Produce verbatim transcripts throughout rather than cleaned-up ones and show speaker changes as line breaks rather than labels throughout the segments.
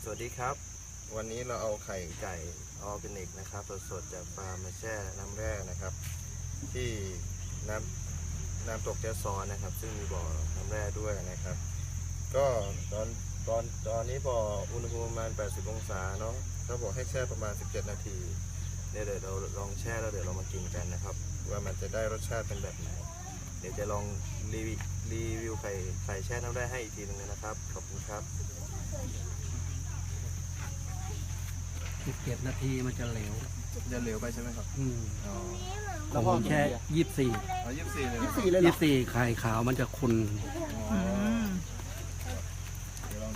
สวัสดีครับวันนี้เราเอาไข่ไก่ออร์แกนิกนะครับสดๆจากฟาร์มมาแช่น้ำแร่นะครับที่น้ำน้ำตกแจ้ซ้อนนะครับซึ่งมีบ่อน้ำแร่ด้วยนะครับก็ตอนตอนตอนนี้บ่ออุณหภูมิประมาณแปดสิบองศาเนาะเขาบอกให้แช่ประมาณสิบเจ็ดนาทีเดี๋ยวเราลองแช่แล้วเดี๋ยวเรามากินกันนะครับว่ามันจะได้รสชาติเป็นแบบไหนเดี๋ยวจะลองรีวิวรีวิวไข่ไข่แช่น้ำแร่ให้อีกทีนึงนะครับขอบคุณครับ
สิบเจ็ดนาทีมันจะเหลว
จะเหลวไปใช่ไหมครับ
อืม
อ๋อ
ของผมแค่ยี่สิบสี่
เอายี่สิบสี่เลย
ยี่สิบสี่เลยเหร
ยี่
อ
สิบสี่ไข่ขาวมันจะขุ่น
อ๋อเดี๋ยวลองดู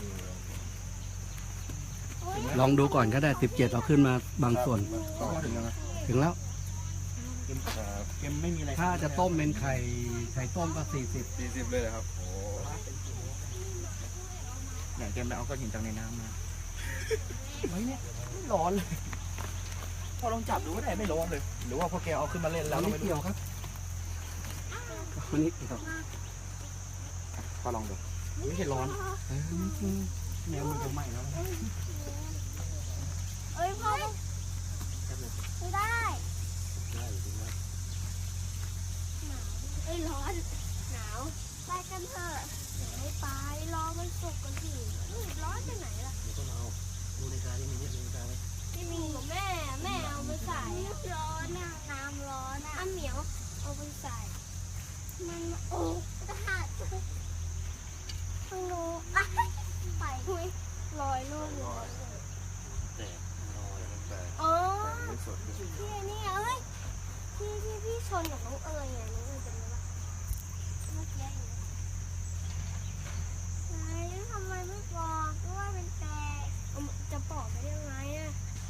ลองดูก่อนก็ได้สิบเจ็ดเอาขึ้นมาบางส่วน
ก็ถึงแล้วนะ
ถึงแล้ว
ขึ้นครับ
เค็มไม่มีอะไร
ถ้าจะต้มเป็นไข่ไข่ต้มก็สี่สิบ
สี่สิบเลยเหรอครับโอ้
อย่างเค็มแล้วเอาก้อนหินจากในน้ำมาเฮ้ยเนี่ยไม่ร้อนเลยพอลองจับดูก็ได้ไม่ร้อนเลย หรือว่าพอแกเอาขึ้นมาเล่นแล้ว
ไม่
ไม่
เกี่ยวครับวันนี้ครับ
พอลองดูไม่ใช่ร้อน
แนวมันจะไหม้แล้ว
เอ้ยพ่อไม่ได้หนาวเอ้ยร้อนหนาวไปกันเถอะเดี๋ยวไม่ไปรอมันสุกกันสิเอ้ยร้อนไปไหนล่ะ
ดูในการที่มีนิดนึงการ
ไม่มีแม่แม่เอาไปใส่ร้อนน่ะน้ำร้อนน่ะอ้าเหมียวเอาไปใส่มันโอ้กระหัดต้องรู้อ่ะไปคุยลอยลูกลอย
แต่รอแล้วแต่
อ๋อ
แต่ไม่สด
พี่นี่เอ้ยพี่พี่พี่ชนกับน้องเอ๋ยไงน้องเอ๋ยจำได้ปะเมื่อกี้ไหนทำไมไม่บอกว่าเป็นแตกเอาจะปอกได้ยังไงอะ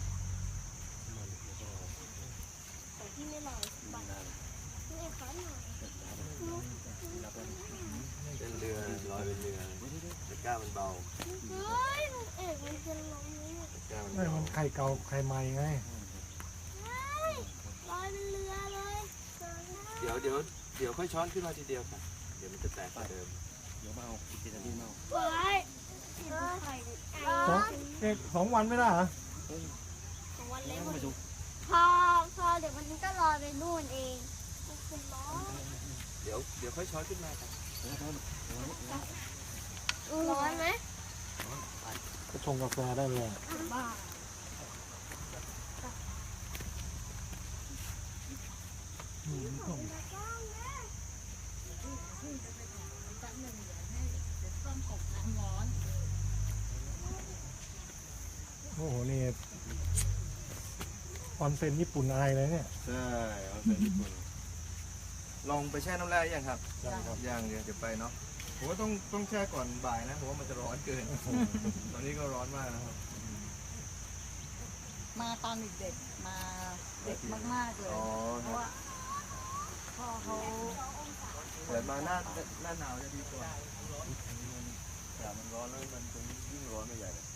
แต่พี่ไม่ลอยบัตรนี่ขอหน่อย
เป็นเรือลอยเป็นเรือตะกร้ามันเบา
เฮ้ยเอกมันจะลงนี่
ตะกร้ามัน
ไม่
เบา
มันไข่เก่าไข่ใหม่ไง
เฮ้ยลอยเป็นเรือเลย
เดี๋ยวเดี๋ยวเดี๋ยวค่อยช้อนขึ้นมาทีเดียวค่ะเดี๋ยวมันจะแตกกว่าเดิม
เดี๋ยวมาเอาอีกทีนาทีมาเอา
เฮ้ยไข่ไก่
สองเอกสองวันไม่ได้เหรอ
ของวันเล็ก
มาดู
พอพอเดี๋ยวมันก็ลอยไปนู่นเองมันคือร้อน
เดี๋ยวเดี๋ยวค่อยช้อนขึ้นมาครับ
ร้อนไหม
ก็ชงกาแฟได้เลย
บ้า
โอ้โหนี่ออนเซ็นญี่ปุ่นอายเลยเนี่ย
ใช่เอาเป็นญี่ปุ่นลองไปแช่น้ำแร่ยังครับ
ยังครับ
ยังเดี๋ยวเดี๋ยวไปเนาะผมว่าต้องต้องแช่ก่อนบ่ายนะผมว่ามันจะร้อนเกิน ตอนนี้ก็ร้อนมากนะครับ
มาตอนเด็กๆมาเด็กมากๆเลย
อ๋อ
เพ
ค
ราะ
รับ
ว่าพ่อเขา
เกิดมาหน้าหน้าหนาวจะดีกว่าแต่มันร้อนแล้วมันจะยิ่งร้อนไปใหญ่เลย